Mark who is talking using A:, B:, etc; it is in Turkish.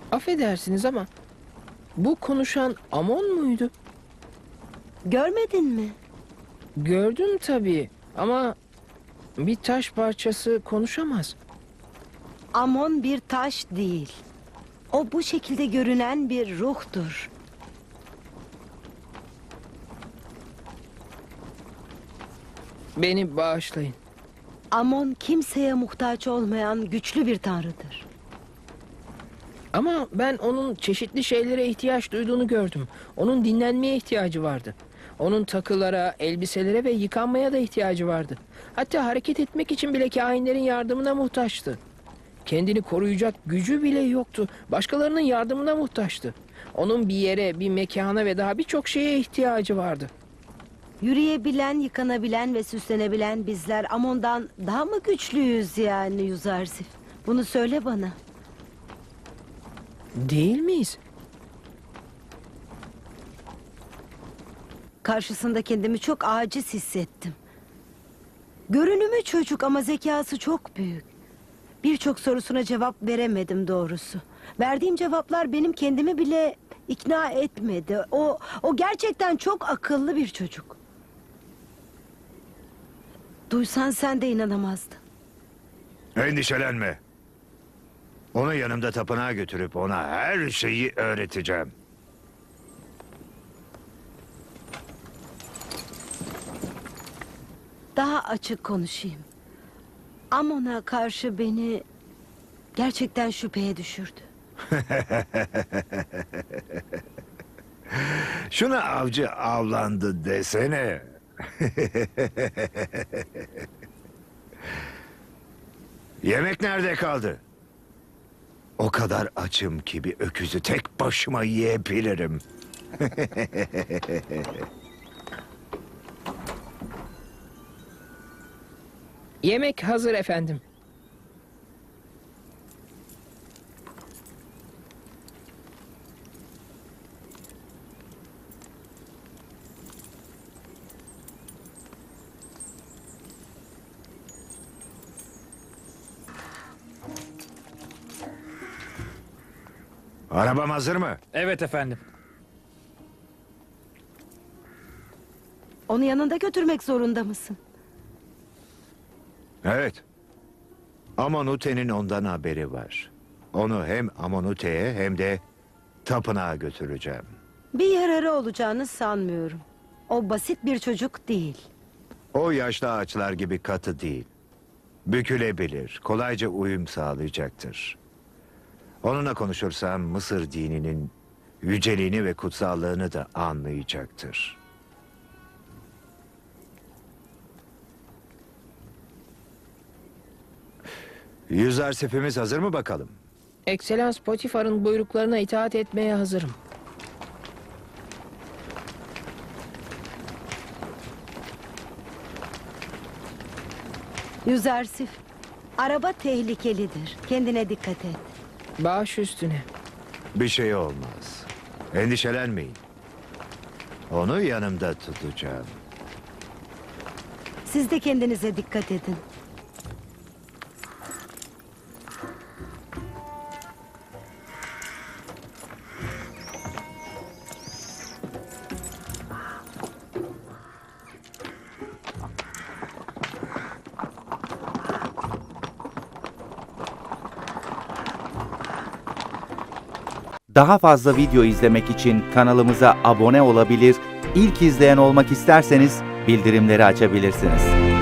A: Affedersiniz ama bu konuşan Amon muydu?
B: Görmedin mi?
A: Gördüm tabii ama bir taş parçası konuşamaz.
B: Amon bir taş değil. O bu şekilde görünen bir ruhtur.
A: Beni bağışlayın.
B: Amon kimseye muhtaç olmayan güçlü bir tanrıdır.
A: Ama ben onun çeşitli şeylere ihtiyaç duyduğunu gördüm. Onun dinlenmeye ihtiyacı vardı. Onun takılara, elbiselere ve yıkanmaya da ihtiyacı vardı. Hatta hareket etmek için bile kahinlerin yardımına muhtaçtı. Kendini koruyacak gücü bile yoktu. Başkalarının yardımına muhtaçtı. Onun bir yere, bir mekana ve daha birçok şeye ihtiyacı vardı.
B: Yürüyebilen, yıkanabilen ve süslenebilen bizler Amon'dan daha mı güçlüyüz yani Yüzarsif? Bunu söyle bana.
A: Değil miyiz?
B: Karşısında kendimi çok aciz hissettim. Görünümü çocuk ama zekası çok büyük. Birçok sorusuna cevap veremedim doğrusu. Verdiğim cevaplar benim kendimi bile ikna etmedi. O gerçekten çok akıllı bir çocuk. Duysan sen de inanamazdın.
C: Endişelenme. Onu yanımda tapınağa götürüp ona her şeyi öğreteceğim.
B: Daha açık konuşayım. Amon'a karşı beni gerçekten şüpheye düşürdü.
C: Şuna avcı avlandı desene. Yemek nerede kaldı? O kadar açım ki bir öküzü tek başıma yiyebilirim.
A: Yemek hazır efendim.
C: Arabam hazır mı?
D: Evet efendim.
B: Onu yanında götürmek zorunda mısın?
C: Evet. Amonute'nin ondan haberi var. Onu hem Amonute'ye hem de tapınağa götüreceğim.
B: Bir yararı olacağını sanmıyorum. O basit bir çocuk değil.
C: O yaşlı ağaçlar gibi katı değil. Bükülebilir, kolayca uyum sağlayacaktır. Onunla konuşursam Mısır dininin yüceliğini ve kutsallığını da anlayacaktır. Yüzarsifimiz hazır mı bakalım?
A: Ekselans Potifar'ın buyruklarına itaat etmeye hazırım.
B: Yüzarsif, araba tehlikelidir. Kendine dikkat et.
A: Baş üstüne.
C: Bir şey olmaz. Endişelenmeyin. Onu yanımda tutacağım.
B: Siz de kendinize dikkat edin.
E: Daha fazla video izlemek için kanalımıza abone olabilir, ilk izleyen olmak isterseniz bildirimleri açabilirsiniz.